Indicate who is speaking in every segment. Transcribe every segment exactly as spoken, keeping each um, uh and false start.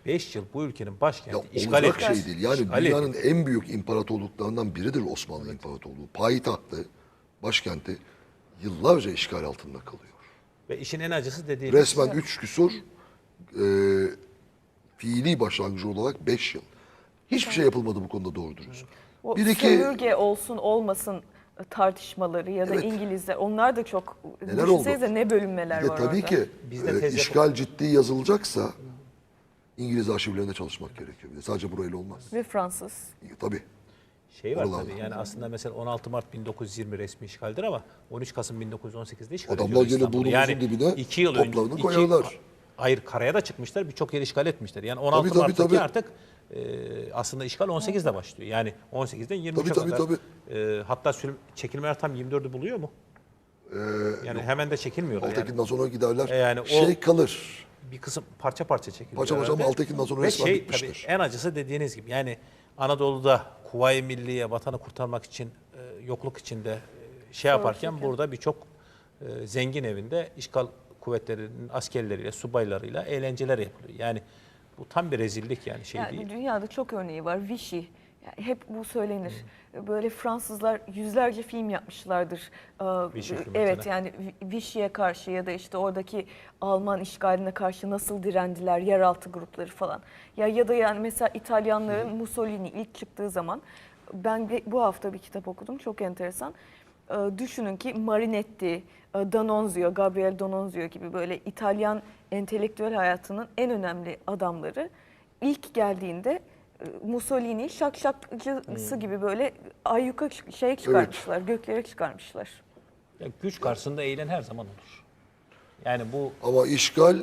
Speaker 1: beş yıl bu ülkenin başkenti
Speaker 2: Ya
Speaker 1: işgal
Speaker 2: olacak
Speaker 1: etmiş.
Speaker 2: şey değil. Yani
Speaker 1: İşgal
Speaker 2: dünyanın
Speaker 1: etmiş.
Speaker 2: en büyük imparatorluklarından biridir Osmanlı İmparatorluğu. Payitahtı, başkenti yıllarca işgal altında kalıyor.
Speaker 1: Ve işin en acısı dediğim
Speaker 2: Resmen üç küsur e, fiili başlangıcı olarak beş yıl. Hiçbir şey yapılmadı bu konuda doğru dürüst.
Speaker 3: O
Speaker 2: Bir iki
Speaker 3: sömürge olsun olmasın tartışmaları ya da
Speaker 2: Evet.
Speaker 3: İngilizler onlar da çok
Speaker 2: Neler
Speaker 3: düşünsenize
Speaker 2: oldu?
Speaker 3: ne bölünmeler
Speaker 2: bir de
Speaker 3: var
Speaker 2: tabii
Speaker 3: orada.
Speaker 2: ki
Speaker 1: Biz de
Speaker 2: e,
Speaker 1: tez
Speaker 2: işgal ciddi yazılacaksa İngiliz arşivlerinde çalışmak gerekiyor. Bir de sadece burayla olmaz.
Speaker 3: Ve Fransız.
Speaker 2: E, Tabii.
Speaker 1: şey var
Speaker 2: Oralarda.
Speaker 1: tabii. Yani aslında mesela on altı Mart bin dokuz yüz yirmi resmi işgaldir ama on üç Kasım bin dokuz yüz on sekizde işgal
Speaker 2: Adamlar
Speaker 1: ediyorlar
Speaker 2: gene
Speaker 1: İstanbul'u.
Speaker 2: burnumuzun dibine
Speaker 1: iki yıl önce
Speaker 2: toplarını
Speaker 1: iki-
Speaker 2: koyarlar.
Speaker 1: Hayır, karaya da çıkmışlar. Birçok yer işgal etmişler. Yani on altı
Speaker 2: Tabii, tabii,
Speaker 1: Mart'taki
Speaker 2: tabii.
Speaker 1: artık e, aslında işgal on sekizde başlıyor. Yani on sekizden yirmi üçe
Speaker 2: Tabii, tabii,
Speaker 1: kadar.
Speaker 2: tabii.
Speaker 1: E, hatta sürüm, çekilmeler tam yirmi dördü buluyor mu? yani hemen de çekilmiyorlar. Yani.
Speaker 2: Altekin'den sonra giderler.
Speaker 1: E, yani o-
Speaker 2: şey kalır.
Speaker 1: Bir kısım parça parça çekiliyor.
Speaker 2: Parça parça ama
Speaker 1: herhalde.
Speaker 2: Altekin'den sonra
Speaker 1: Ve
Speaker 2: resmen
Speaker 1: şey,
Speaker 2: bitmiştir.
Speaker 1: tabii en acısı dediğiniz gibi yani Anadolu'da Kuvayi Milliye vatanı kurtarmak için e, yokluk içinde e, şey yaparken
Speaker 3: Savaşırken.
Speaker 1: burada birçok e, zengin evinde işgal kuvvetlerinin askerleriyle, subaylarıyla eğlenceler yapılıyor. Yani bu tam bir rezillik yani şey
Speaker 3: Yani
Speaker 1: değil.
Speaker 3: dünyada çok örneği var. Vichy. Yani hep bu söylenir. Böyle Fransızlar yüzlerce film yapmışlardır. Ee,
Speaker 1: Vichy filmi
Speaker 3: evet
Speaker 1: mesela.
Speaker 3: yani Vi- Vichy'ye karşı ya da işte oradaki Alman işgaline karşı nasıl direndiler, yeraltı grupları falan. Ya ya da yani mesela İtalyanların Mussolini ilk çıktığı zaman ben de bu hafta bir kitap okudum. Çok enteresan. Ee, düşünün ki Marinetti, e, D'Annunzio, Gabriel D'Annunzio gibi böyle İtalyan entelektüel hayatının en önemli adamları ilk geldiğinde e, Mussolini şakşakçısı gibi böyle ayyuka çık- şey çıkarmışlar, göklere çıkarmışlar.
Speaker 1: Yani güç karşısında eğilen her zaman olur. Yani bu
Speaker 2: Ama işgal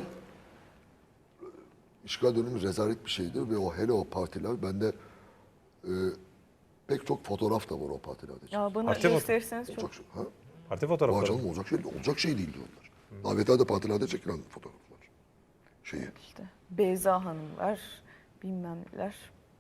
Speaker 2: işgal dönemi rezalet bir şeydir ve o hele o partiler bende e, pek çok fotoğraf da var o partilerde.
Speaker 3: Ya bana
Speaker 1: Parti mi?
Speaker 3: gösterirseniz çok
Speaker 2: Olacak şey. Ha?
Speaker 1: parti
Speaker 2: Vay
Speaker 1: fotoğrafları.
Speaker 2: canım olacak şey, olacak şey değildi onlar. Davetlerde partilerde çekilen fotoğraflar. Şeyi.
Speaker 3: işte. Beyza Hanım var, bilmem neler.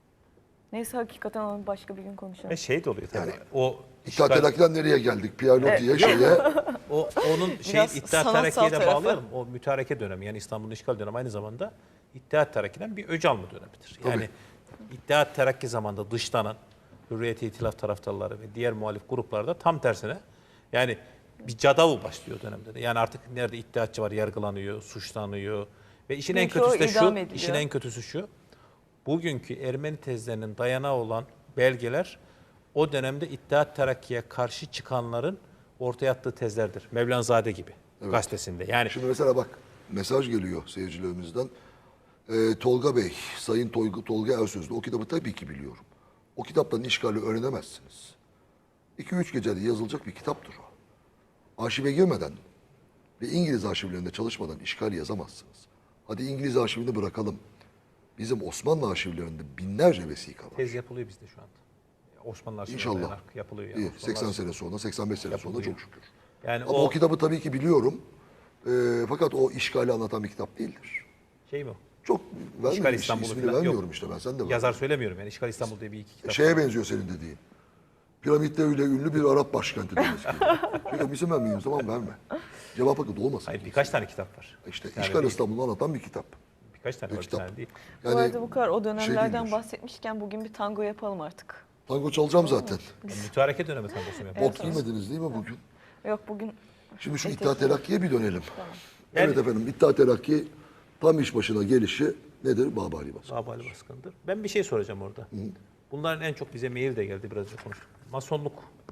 Speaker 3: Neyse hakikaten onu başka bir gün konuşalım.
Speaker 1: Ve şey de oluyor tabii.
Speaker 2: Yani
Speaker 1: o
Speaker 2: İttihat
Speaker 1: işgal-
Speaker 2: Terakki'den nereye geldik? Pierre Loti'ye şeye.
Speaker 1: O onun şey
Speaker 3: Biraz
Speaker 1: İttihat
Speaker 3: sanatsal
Speaker 1: Terakki'ye de
Speaker 3: tarafı.
Speaker 1: bağlayalım. O mütareke dönemi yani İstanbul'un işgal dönemi aynı zamanda İttihat Terakki'den bir öc alma dönemidir. Yani İttihat Terakki zamanında dışlanan Hürriyet-i İtilaf taraftarları ve diğer muhalif gruplarda tam tersine yani bir cadavu başlıyor dönemde de. Yani artık nerede iddiatçı var yargılanıyor, suçlanıyor ve işin en
Speaker 3: Birçoğu
Speaker 1: kötüsü de şu,
Speaker 3: idam ediliyor.
Speaker 1: işin en kötüsü şu. Bugünkü Ermeni tezlerinin dayanağı olan belgeler o dönemde İttihat Terakki'ye karşı çıkanların ortaya attığı tezlerdir. Mevlanzade gibi gazetesinde. Yani
Speaker 2: Şimdi mesela bak mesaj geliyor seyircilerimizden. Ee, Tolga Bey, Sayın Tolga, Tolga Ersözlü o kitabı tabii ki biliyorum. O kitaptan işgali öğrenemezsiniz. iki üç gecede yazılacak bir kitaptır o. Arşive girmeden ve İngiliz arşivlerinde çalışmadan işgal yazamazsınız. Hadi İngiliz arşivini bırakalım. Bizim Osmanlı arşivlerinde binlerce vesika var.
Speaker 1: tez yapılıyor bizde şu anda. Osmanlı arşivine
Speaker 2: İnşallah.
Speaker 1: dayanarak yapılıyor. Yani.
Speaker 2: İyi,
Speaker 1: Osmanlı
Speaker 2: seksen
Speaker 1: arşivi-
Speaker 2: sene sonra, seksen beş sene sonra çok şükür.
Speaker 1: Yani
Speaker 2: Ama
Speaker 1: o,
Speaker 2: o kitabı tabii ki biliyorum. Ee, fakat o işgali anlatan bir kitap değildir.
Speaker 1: şey mi?
Speaker 2: Çok
Speaker 1: İşgal
Speaker 2: vermiyorum,
Speaker 1: İstanbul'u
Speaker 2: ismini
Speaker 1: falan
Speaker 2: vermiyorum
Speaker 1: yok.
Speaker 2: işte ben, sen de ver.
Speaker 1: Yazar söylemiyorum yani İşgal İstanbul diye bir iki kitap.
Speaker 2: Şeye benziyor senin dediğin. Piramitleriyle ünlü bir Arap başkenti demesi gibi. Şöyle isim vermeyeyim zaman verme. Cevap hakkı olmasın.
Speaker 1: Hayır birkaç tane kitap var.
Speaker 2: İşte
Speaker 1: Bir tane
Speaker 2: işgal
Speaker 1: değil.
Speaker 2: İstanbul'u anlatan bir kitap.
Speaker 1: Birkaç tane
Speaker 2: bir
Speaker 1: var bir
Speaker 2: kitap.
Speaker 1: tane değil.
Speaker 3: bu arada bu kadar o dönemlerden
Speaker 2: değildir.
Speaker 3: bahsetmişken bugün bir tango yapalım artık.
Speaker 2: Tango çalacağım zaten.
Speaker 1: Yani mütareke dönemi tangosu yapıyor.
Speaker 2: Bot giymediniz değil mi bugün?
Speaker 3: Yok bugün
Speaker 2: Şimdi şu
Speaker 3: Etek-
Speaker 2: İttihat Terakki'ye bir dönelim.
Speaker 1: Yani-
Speaker 2: Evet efendim, İttihat Terakki tam iş başına gelişi nedir? Babali Baskı.
Speaker 1: Babali baskındır. Ben bir şey soracağım orada. Bunların en çok bize mail de geldi biraz önce konuştuk. Masonluk.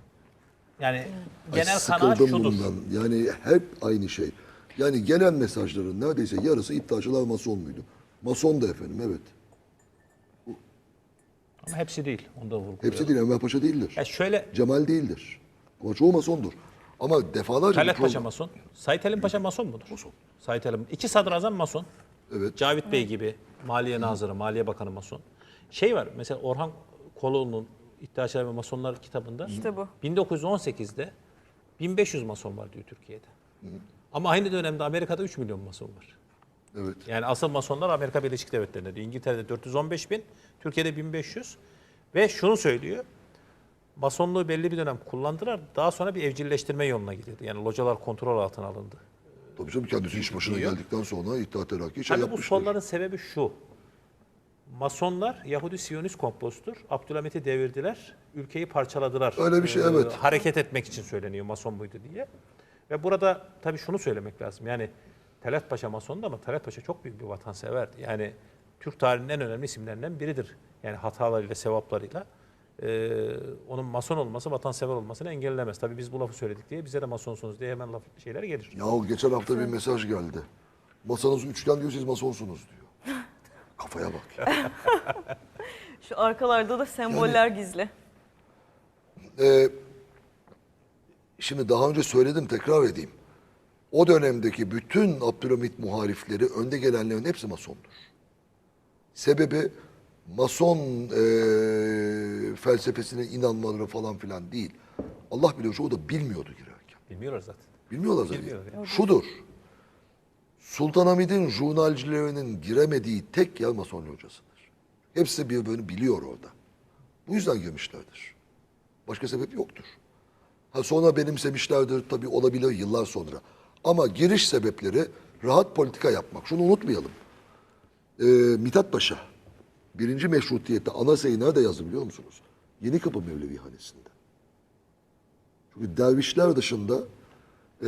Speaker 1: Yani
Speaker 2: Ay,
Speaker 1: genel kanaat
Speaker 2: sıkıldım
Speaker 1: şudur.
Speaker 2: bundan. Yani hep aynı şey. Yani gelen mesajların neredeyse yarısı iddiaçılar mason muydu? Mason da efendim, evet.
Speaker 1: Ama hepsi değil. Onu da vurguluyorum.
Speaker 2: Hepsi değil, Enver Paşa değildir.
Speaker 1: Ya şöyle
Speaker 2: Cemal değildir. Ama çoğu masondur. Ama defalarca
Speaker 1: Talat
Speaker 2: bir
Speaker 1: Paşa
Speaker 2: program-
Speaker 1: mason. Sait Halim Paşa mason mudur?
Speaker 2: Mason.
Speaker 1: Sait Halim. İki sadrazam mason.
Speaker 2: Evet.
Speaker 1: Cavit Bey gibi Maliye Nazırı, Maliye Bakanı mason. Şey var mesela Orhan Koloğlu'nun İddiaçılar ve Masonlar kitabında
Speaker 3: İşte bu.
Speaker 1: bin dokuz yüz on sekizde bin beş yüz mason var diyor Türkiye'de. Ama aynı dönemde Amerika'da üç milyon mason var.
Speaker 2: Evet.
Speaker 1: Yani asıl masonlar Amerika Birleşik Devletleri'nde diyor. İngiltere'de dört yüz on beş bin, Türkiye'de bin beş yüz. Ve şunu söylüyor. Masonluğu belli bir dönem kullandılar. Daha sonra bir evcilleştirme yoluna gidildi. Yani localar kontrol altına alındı.
Speaker 2: Tabii canım kendisi iş başına
Speaker 1: Diyor.
Speaker 2: geldikten sonra İttihat Terakki şey
Speaker 1: Tabii bu
Speaker 2: yapmıştır.
Speaker 1: sonların sebebi şu. Masonlar Yahudi Siyonist komplosudur. Abdülhamit'i devirdiler, ülkeyi parçaladılar.
Speaker 2: Öyle bir şey,
Speaker 1: Ee,
Speaker 2: evet.
Speaker 1: Hareket etmek için söyleniyor Mason buydu diye. Ve burada tabii şunu söylemek lazım. Yani Talat Paşa Mason'du ama Talat Paşa çok büyük bir vatanseverdi. Yani Türk tarihinin en önemli isimlerinden biridir. Yani hatalarıyla, sevaplarıyla. Ee, onun Mason olması, vatansever olmasını engellemez. Tabii biz bu lafı söyledik diye bize de Masonsunuz diye hemen laf şeyler gelir.
Speaker 2: Yahu geçen hafta bir mesaj geldi. Masanız üçgen diyor, siz masonsunuz diyor. Kafaya bak.
Speaker 3: Şu arkalarda da semboller gizli.
Speaker 2: Ee, şimdi daha önce söyledim, tekrar edeyim. O dönemdeki bütün Abdülhamit muharifleri, önde gelenlerin hepsi masondur. Sebebi mason e, felsefesine inanmaları falan filan değil. Allah biliyor, o da bilmiyordu girerken.
Speaker 1: Bilmiyorlar zaten.
Speaker 2: Bilmiyorlar zaten.
Speaker 1: Bilmiyorlar ya.
Speaker 2: Şudur. Sultanahmet'in jurnalcilerinin giremediği tek yer Mason hocasıdır. Hepsi birbirini biliyor orada. Bu yüzden girmişlerdir. Başka sebep yoktur. Ha sonra benimsemişlerdir tabii, olabilir yıllar sonra. Ama giriş sebepleri rahat politika yapmak. Şunu unutmayalım. Ee, Mithat Paşa birinci meşrutiyette anayasayı nerede yazdı biliyor musunuz? Yenikapı Mevlevihanesi'nde. Çünkü dervişler dışında e,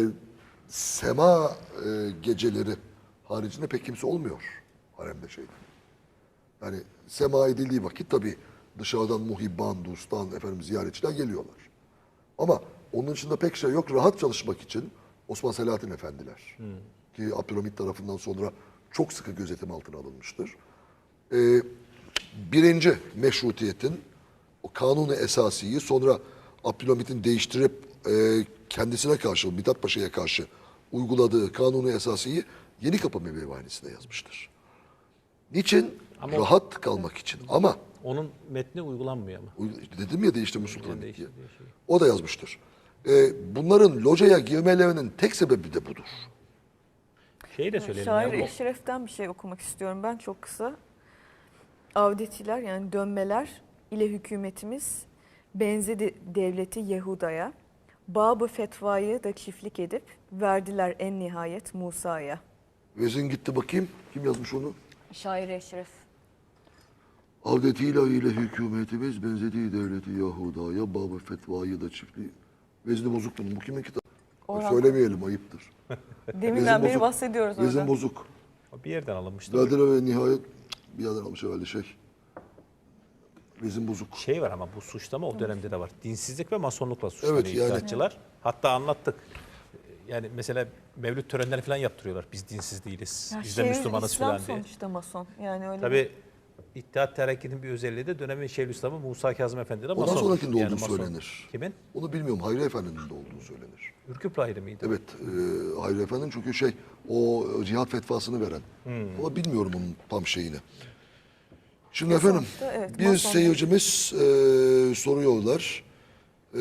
Speaker 2: sema e, geceleri haricinde pek kimse olmuyor haremde şeyde. Yani sema edildiği vakit tabii dışarıdan muhibban, dostan, efendim ziyaretçiler geliyorlar. Ama onun dışında pek şey yok. Rahat çalışmak için Osman Selahattin Efendiler hmm. ki Abdülhamit tarafından sonra çok sıkı gözetim altına alınmıştır. Ee, birinci meşrutiyetin o kanunu esasiyi sonra Abdülhamit'in değiştirip e, kendisine karşı, Mithat Paşa'ya karşı uyguladığı kanunu esasiyi Yenikapı Mevlevihanesi'nde yazmıştır. Niçin?
Speaker 1: Ama
Speaker 2: rahat kalmak için. Ama
Speaker 1: onun metni uygulanmıyor ama.
Speaker 2: dedim ya değiştirmiş Sultanahmet diye.
Speaker 1: Değişti diye şey.
Speaker 2: O da yazmıştır. Ee, bunların locaya girmelerinin tek sebebi de budur.
Speaker 1: Şeyi de söyleyelim.
Speaker 3: Şair
Speaker 1: ya, bu-
Speaker 3: Eşref'ten bir şey okumak istiyorum ben çok kısa. Avdetiler yani dönmeler ile hükümetimiz benzedi devleti Yehuda'ya. Babı fetvayı da çiftlik edip verdiler en nihayet Musa'ya.
Speaker 2: Vezin gitti bakayım. Kim yazmış onu?
Speaker 3: Şair Eşref.
Speaker 2: Avdetiyle ile hükümetimiz benzediği devleti Yahuda'ya, babı fetvayı da çiftliği. Vezni bozuk bunun. Bu kimin kitabı?
Speaker 3: Orhan.
Speaker 2: Söylemeyelim, ayıptır.
Speaker 3: Deminden beri
Speaker 2: bozuk.
Speaker 3: bahsediyoruz orada.
Speaker 2: Vezin bozuk.
Speaker 1: Bir yerden alınmıştı.
Speaker 2: Verdiler ve nihayet bir yerden almış herhalde şey. Vezin bozuk.
Speaker 1: Şey var ama bu suçlama o dönemde de var. Dinsizlik ve masonlukla suçlanıyor
Speaker 2: Evet, yani-
Speaker 1: iddiatçılar. Hatta anlattık. Yani mesela mevlüt törenleri falan yaptırıyorlar. Biz dinsiz değiliz.
Speaker 3: Ya
Speaker 1: Biz de
Speaker 3: Şeyhül
Speaker 1: Müslümanız
Speaker 3: İslam
Speaker 1: falan diye.
Speaker 3: sonuçta mason. Yani öyle
Speaker 1: Tabii İttihat Terakki'nin bir özelliği de dönemin Şeyhülislam'ı Musa Kazım Efendi de
Speaker 2: Ondan
Speaker 1: mason.
Speaker 2: sonrakinde
Speaker 1: Yani
Speaker 2: olduğu
Speaker 1: mason.
Speaker 2: söylenir.
Speaker 1: Kimin?
Speaker 2: Onu bilmiyorum. Hayri Efendi'nin de olduğu söylenir.
Speaker 1: Ürküp Lahiri miydi?
Speaker 2: Evet, e, Hayri Efendi'nin çünkü şey, o cihat fetvasını veren.
Speaker 1: Hmm.
Speaker 2: Ama bilmiyorum onun tam şeyini. Şimdi efendim,
Speaker 3: sonuçta evet,
Speaker 2: bir
Speaker 3: Masonlar-
Speaker 2: seyircimiz e, soruyorlar. E,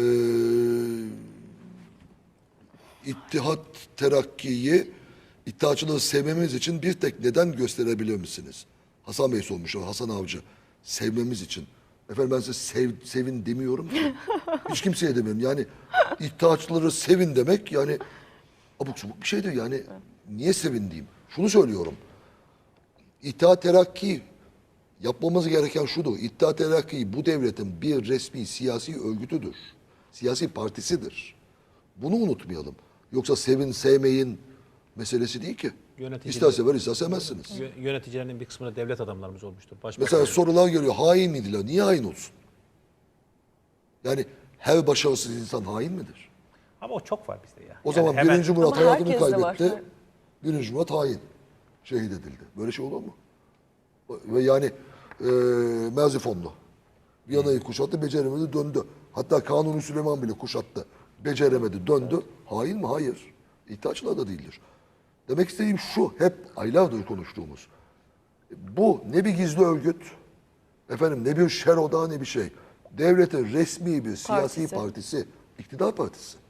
Speaker 2: İttihat Terakki'yi, İttihatçılığı sevmemiz için bir tek neden gösterebilir misiniz? Hasan Bey sormuş, Hasan Avcı. Sevmemiz için. Efendim ben size sev, sevin demiyorum ki. Hiç kimseye demiyorum. Yani İttihatçıları sevin demek yani abuk subuk bir şeydir. Yani niye sevin diyeyim? Şunu söylüyorum. İttihat Terakki yapmamız gereken şudur. İttihat Terakki bu devletin bir resmi siyasi örgütüdür. Siyasi partisidir. Bunu unutmayalım. Yoksa sevin sevmeyin meselesi değil ki.
Speaker 1: Yönetici-
Speaker 2: İster sever ister sevmezsiniz.
Speaker 1: Yö- Yöneticilerinin bir kısmında devlet adamlarımız olmuştur. Başbakan.
Speaker 2: Mesela sorular geliyor. Hain miydiler? Niye hain olsun? Yani her başarısız insan hain midir?
Speaker 1: Ama o çok var bizde ya.
Speaker 2: O
Speaker 1: Yani
Speaker 2: zaman
Speaker 1: hemen-
Speaker 2: birinci Murat
Speaker 3: Ama
Speaker 2: hayatını
Speaker 3: herkeste var.
Speaker 2: kaybetti. Birinci Murat hain. Şehit edildi. Böyle şey olur mu? Ve yani e, Merzifonlu. Viyana'yı kuşattı, beceremedi, döndü. Hatta Kanuni Süleyman bile kuşattı. Beceremedi, döndü. Hain mi? Hayır. İttihatçılar da değildir. Demek istediğim şu, hep aylardır konuştuğumuz. Bu ne bir gizli örgüt, efendim ne bir şer odağı ne bir şey. Devletin resmi bir siyasi
Speaker 3: Partisi.
Speaker 2: partisi, iktidar partisi.